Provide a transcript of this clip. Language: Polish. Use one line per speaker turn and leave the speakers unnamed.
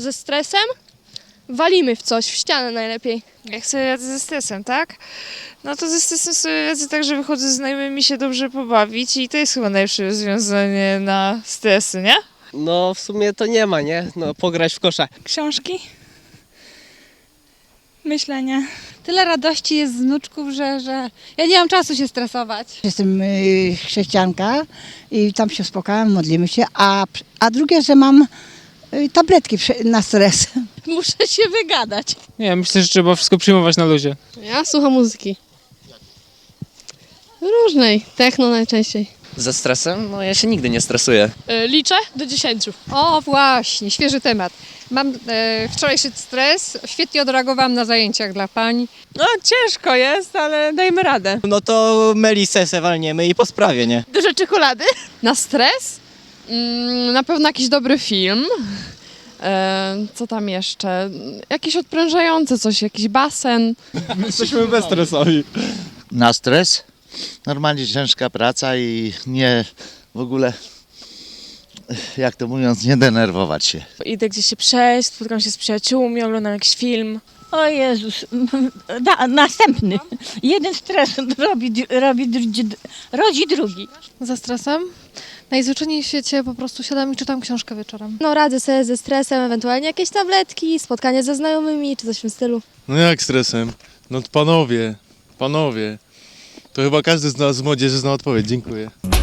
Ze stresem walimy w coś, w ścianę najlepiej.
Jak sobie radzę ze stresem, tak? No to ze stresem sobie radzę tak, że wychodzę z znajomymi się dobrze pobawić i to jest chyba najlepsze rozwiązanie na stresy, nie?
No w sumie to nie ma, nie? No pograć w kosza.
Książki, myślenie.
Tyle radości jest z wnuczków, że ja nie mam czasu się stresować.
Jestem chrześcijanka i tam się uspokajam, modlimy się, a drugie, że mam tabletki na stres.
Muszę się wygadać.
Nie, myślę, że trzeba wszystko przyjmować na luzie.
Ja słucham muzyki. Różnej, techno najczęściej.
Ze stresem? No ja się nigdy nie stresuję.
Liczę do 10.
O właśnie, świeży temat. Mam wczorajszy stres, świetnie odreagowałam na zajęciach dla pań.
No ciężko jest, ale dajmy radę.
No to Melisę se walniemy i po sprawie, nie?
Dużo czekolady. Na stres? Na pewno jakiś dobry film. Co tam jeszcze? Jakieś odprężające coś, jakiś basen.
Jesteśmy bezstresowi.
Na stres. Normalnie ciężka praca i nie w ogóle, jak to mówiąc, nie denerwować się.
Idę gdzieś się przejść, spotkam się z przyjaciółmi, oglądam jakiś film.
O Jezus, następny. Jeden stres rodzi drugi.
Za stresem? Najzwyczajniej w świecie po prostu siadam i czytam książkę wieczorem.
No radzę sobie ze stresem, ewentualnie jakieś tabletki, spotkanie ze znajomymi czy coś w tym stylu.
No jak stresem? No panowie, to chyba każdy z nas z młodzieży zna odpowiedź. Dziękuję.